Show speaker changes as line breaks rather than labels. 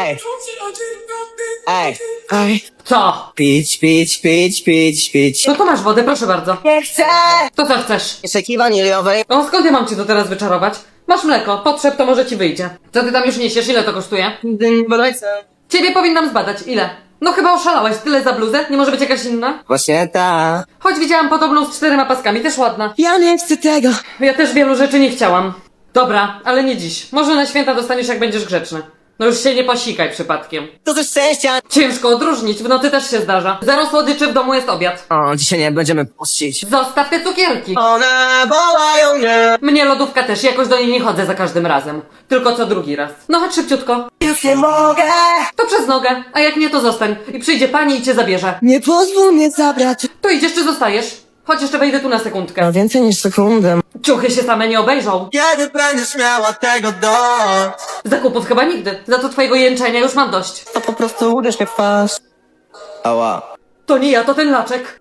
Ej. Ej. Ej.
Co?
Pić.
No to masz wodę, proszę bardzo.
Nie chcę!
To co chcesz?
Szeki waniliowej.
O, skąd ja mam ci to teraz wyczarować? Masz mleko, potrzeb to może ci wyjdzie. Co ty tam już niesiesz? Ile to kosztuje?
Bodajce.
Ciebie powinnam zbadać. Ile? No chyba oszalałeś. Tyle za bluzę? Nie może być jakaś inna?
Właśnie ta.
Choć widziałam podobną z 4 paskami, też ładna.
Ja nie chcę tego.
Ja też wielu rzeczy nie chciałam. Dobra, ale nie dziś. Może na święta dostaniesz, jak będziesz grzeczny. No już się nie posikaj przypadkiem.
To ze szczęścia.
Ciężko odróżnić, w nocy też się zdarza. Zero słodyczy, w domu jest obiad.
O, dzisiaj nie będziemy pościć.
Zostaw te cukierki.
One wołają mnie.
Mnie lodówka też, jakoś do niej nie chodzę za każdym razem. Tylko co drugi raz. No chodź szybciutko.
Już nie mogę.
To przez nogę, a jak nie to zostań. I przyjdzie pani i cię zabierze.
Nie pozwól mnie zabrać.
To idziesz czy zostajesz? Chodź jeszcze wejdę tu na sekundkę.
No więcej niż sekundę.
Ciuchy się same nie obejrzą.
Kiedy będziesz miała tego dość?
Zakupów chyba nigdy. Za to twojego jęczenia już mam dość.
To po prostu uderz mnie w twarz. Ała.
To nie ja, to ten laczek.